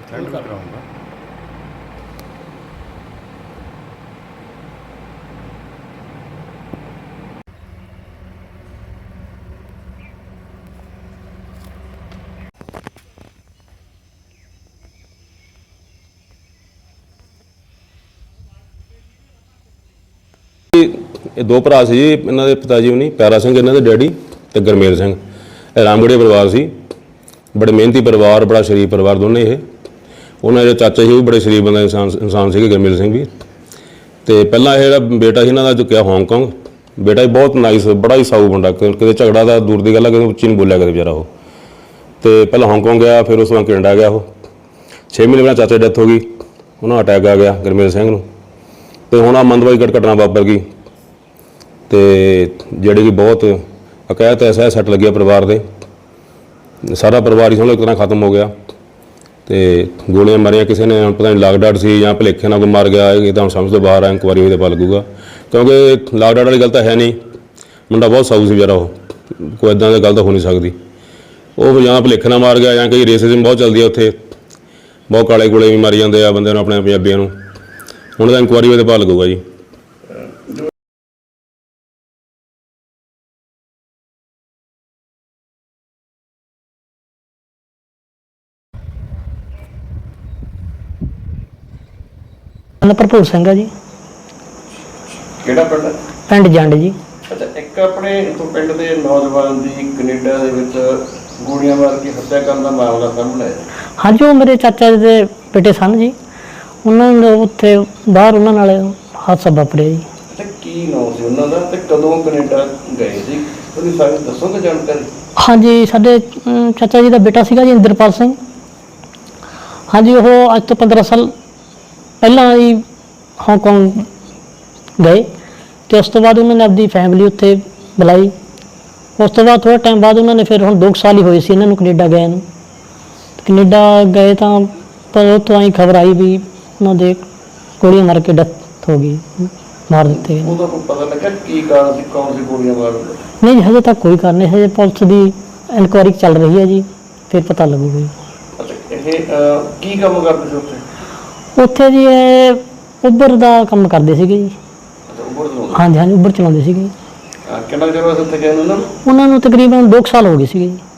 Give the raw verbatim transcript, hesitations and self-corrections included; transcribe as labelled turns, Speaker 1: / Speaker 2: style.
Speaker 1: Send ਵੀ ਕਰਾਉਂਗਾ।
Speaker 2: ਇਹ ਦੋ ਭਰਾ ਸੀ ਜੀ, ਇਹਨਾਂ ਦੇ ਪਿਤਾ ਜੀ ਹੁਣੀ ਪਿਆਰਾ ਸਿੰਘ ਇਹਨਾਂ ਦੇ ਡੈਡੀ ਤੇ ਗੁਰਮੇਲ ਸਿੰਘ। ਇਹ ਰਾਮਗੜ੍ਹੀਆ ਪਰਿਵਾਰ ਸੀ, ਬੜੇ ਮਿਹਨਤੀ ਪਰਿਵਾਰ, ਬੜਾ ਸ਼ਰੀਫ ਪਰਿਵਾਰ ਦੋਨੇ ਇਹ। ਉਹਨਾਂ ਦੇ ਚਾਚਾ ਸੀ ਉਹ ਵੀ ਬੜੇ ਸ਼ਰੀਫ ਬੰਦਾ ਇਨਸਾਨ ਇਨਸਾਨ ਸੀਗੇ, ਗੁਰਮੇਲ ਸਿੰਘ ਵੀ। ਤੇ ਪਹਿਲਾਂ ਇਹ ਜਿਹੜਾ ਬੇਟਾ ਸੀ ਇਹਨਾਂ ਦਾ ਚੁੱਕਿਆ ਹਾਂਗਕਾਂਗ। ਬੇਟਾ ਹੀ ਬਹੁਤ ਨਾਈਸ, ਬੜਾ ਹੀ ਸਾਊ ਮੁੰਡਾ, ਕਿਤੇ ਝਗੜਾ ਦਾ ਦੂਰ ਦੀ ਗੱਲ ਆ, ਕਿਤੇ ਉੱਚੀ ਨਹੀਂ ਬੋਲਿਆ ਕਦੇ ਵਿਚਾਰਾ ਉਹ। ਤੇ ਪਹਿਲਾਂ ਹਾਂਗਕਾਂਗ ਗਿਆ, ਫਿਰ ਉਸ ਤੋਂ ਬਾਅਦ ਕੈਨੇਡਾ ਗਿਆ ਉਹ। ਛੇ ਮਹੀਨੇ ਪਹਿਲਾਂ ਚਾਚਾ ਦੀ ਡੈਥ ਹੋ ਗਈ, ਉਹਨਾਂ ਅਟੈਕ ਆ ਗਿਆ ਗੁਰਮੇਲ ਸਿੰਘ ਨੂੰ। ਤੇ ਹੁਣ ਆ ਮੰਦਵਾਈ ਘਟਨਾ ਵਾਪਰ ਗਈ ਤੇ ਜਿਹੜੇ ਕਿ ਬਹੁਤ ਅਕੈਤ ਐਸਾ ਸੱਟ ਲੱਗਿਆ ਪਰਿਵਾਰ ਦੇ। ਸਾਰਾ ਪਰਿਵਾਰ ਹੀ ਸਮਝੋ ਇੱਕ ਤਰ੍ਹਾਂ ਖਤਮ ਹੋ ਗਿਆ। ਤੇ ਗੋਲੀਆਂ ਮਾਰੀਆਂ ਕਿਸੇ ਨੇ, ਪਤਾ ਨਹੀਂ ਲਾਗ ਡਾਟ ਸੀ ਜਾਂ ਭੁਲੇਖੇ ਨਾਲ ਕੋਈ ਮਾਰ ਗਿਆ, ਇਹ ਤਾਂ ਹੁਣ ਸਮਝ ਤੋਂ ਬਾਹਰ ਆ। ਇਨਕੁਆਰੀ ਹੋਈ ਤਾਂ ਪਤਾ ਲੱਗੂਗਾ, ਕਿਉਂਕਿ ਲਾਗ ਡਾਟ ਵਾਲੀ ਗੱਲ ਤਾਂ ਹੈ ਨਹੀਂ। ਮੁੰਡਾ ਬਹੁਤ ਸਾਊ ਸੀ ਵਿਚਾਰਾ ਉਹ, ਕੋਈ ਇੱਦਾਂ ਦੀ ਗੱਲ ਤਾਂ ਹੋ ਨਹੀਂ ਸਕਦੀ। ਉਹ ਜਾਂ ਭੁਲੇਖੇ ਨਾਲ ਮਾਰ ਗਿਆ ਜਾਂ ਕਈ ਰੇਸਿਜ਼ਮ ਬਹੁਤ ਚੱਲਦੀ ਆ ਉੱਥੇ, ਬਹੁਤ ਕਾਲੇ ਗੋਲੇ ਵੀ ਮਾਰੀ ਜਾਂਦੇ ਆ ਬੰਦੇ ਨੂੰ, ਆਪਣੇ ਪੰਜਾਬੀਆਂ ਨੂੰ। ਹੁਣ ਤਾਂ ਇਨਕੁਆਰੀ ਹੋਈ ਤਾਂ ਪਤਾ ਲੱਗੂਗਾ ਜੀ।
Speaker 3: ਭਰਪੂਰ ਸਿੰਘ ਆ ਜੀ।
Speaker 1: ਕਿਹੜਾ ਪਿੰਡ ਹੈ?
Speaker 3: ਪਿੰਡ ਜੰਡ ਜੀ।
Speaker 1: ਅੱਛਾ, ਇੱਕ ਆਪਣੇ ਇੱਥੋਂ ਪਿੰਡ ਦੇ ਨੌਜਵਾਨ ਦੀ ਕੈਨੇਡਾ ਦੇ ਵਿੱਚ ਗੋਲੀਆਂ ਮਾਰ ਕੇ ਹੱਤਿਆ ਕਰਨ ਦਾ ਮਾਮਲਾ ਸਾਹਮਣੇ ਆਇਆ।
Speaker 3: ਹਾਂਜੀ, ਉਹ ਮੇਰੇ ਚਾਚਾ ਜੀ ਦੇ ਬੇਟੇ ਸਨ ਜੀ। ਉਹਨਾਂ ਨੂੰ ਉੱਥੇ ਬਾਹਰ ਉਹਨਾਂ ਨਾਲ ਹਾਦਸਾ ਵਾਪਰਿਆ ਜੀ।
Speaker 1: ਅੱਛਾ, ਕੀ ਨਾਮ ਸੀ ਉਹਨਾਂ ਦਾ ਤੇ ਕਦੋਂ ਕੈਨੇਡਾ ਗਏ ਸੀ? ਤੁਸੀਂ ਸਾਨੂੰ ਦੱਸੋਗੇ ਜਾਣਕਾਰੀ?
Speaker 3: ਹਾਂਜੀ, ਸਾਡੇ ਅਮ, ਚਾਚਾ ਜੀ ਦਾ ਬੇਟਾ ਸੀਗਾ ਜੀ ਇੰਦਰਪਾਲ ਸਿੰਘ। ਹਾਂਜੀ, ਉਹ ਅੱਜ ਤੋਂ ਪੰਦਰਾਂ ਸਾਲ ਪਹਿਲਾਂ ਹੀ ਹਾਂਗਕਾਂਗ ਗਏ ਅਤੇ ਉਸ ਤੋਂ ਬਾਅਦ ਉਹਨਾਂ ਨੇ ਆਪਣੀ ਫੈਮਿਲੀ ਉੱਥੇ ਬੁਲਾਈ। ਉਸ ਤੋਂ ਬਾਅਦ ਥੋੜ੍ਹਾ ਟਾਈਮ ਬਾਅਦ ਉਹਨਾਂ ਨੇ ਫਿਰ ਹੁਣ ਦੋ ਸਾਲ ਹੀ ਹੋਏ ਸੀ ਇਹਨਾਂ ਨੂੰ ਕੈਨੇਡਾ ਗਏ ਨੂੰ। ਕੈਨੇਡਾ ਗਏ ਤਾਂ ਪਰ ਉੱਥੋਂ ਆਈ ਖਬਰ ਆਈ ਵੀ ਉਹਨਾਂ ਦੇ ਗੋਲੀਆਂ ਮਾਰ ਕੇ ਡੈਥ ਹੋ ਗਈ, ਮਾਰ ਦਿੱਤੇ ਗਏ।
Speaker 1: ਉਹਦਾ ਕੋਈ ਪਤਾ ਲੱਗਾ ਕੀ ਕਾਰਨ ਸੀ, ਕੌਣ ਸੀ ਗੋਲੀਆਂ ਮਾਰਨ ਦਾ?
Speaker 3: ਨਹੀਂ ਜੀ, ਹਜੇ ਤੱਕ ਕੋਈ ਕਾਰਨ ਨਹੀਂ। ਹਜੇ ਪੁਲਿਸ ਦੀ ਇਨਕੁਆਇਰੀ ਚੱਲ ਰਹੀ ਹੈ ਜੀ, ਫਿਰ ਪਤਾ ਲੱਗੂਗਾ ਜੀ।
Speaker 1: ਅੱਛਾ, ਇਹ ਕੀ ਕੰਮ ਕਰਦੇ ਸੀ ਉੱਥੇ?
Speaker 3: ਉੱਥੇ ਜੀ ਇਹ ਉਬਰ ਦਾ ਕੰਮ ਕਰਦੇ ਸੀਗੇ ਜੀ।
Speaker 1: ਅੱਛਾ, ਉਬਰ ਚਲਾਉਂਦੇ?
Speaker 3: ਹਾਂਜੀ ਹਾਂਜੀ, ਉਬਰ ਚਲਾਉਂਦੇ ਸੀਗੇ।
Speaker 1: ਕਿੰਨਾ ਚਿਰ ਹੋਇਆ ਉੱਥੇ ਗਏ ਨੂੰ ਉਹਨਾਂ ਨੂੰ?
Speaker 3: ਉਹਨਾਂ ਨੂੰ ਤਕਰੀਬਨ ਦੋ ਕੁ ਸਾਲ ਹੋ ਗਏ ਸੀਗੇ ਜੀ।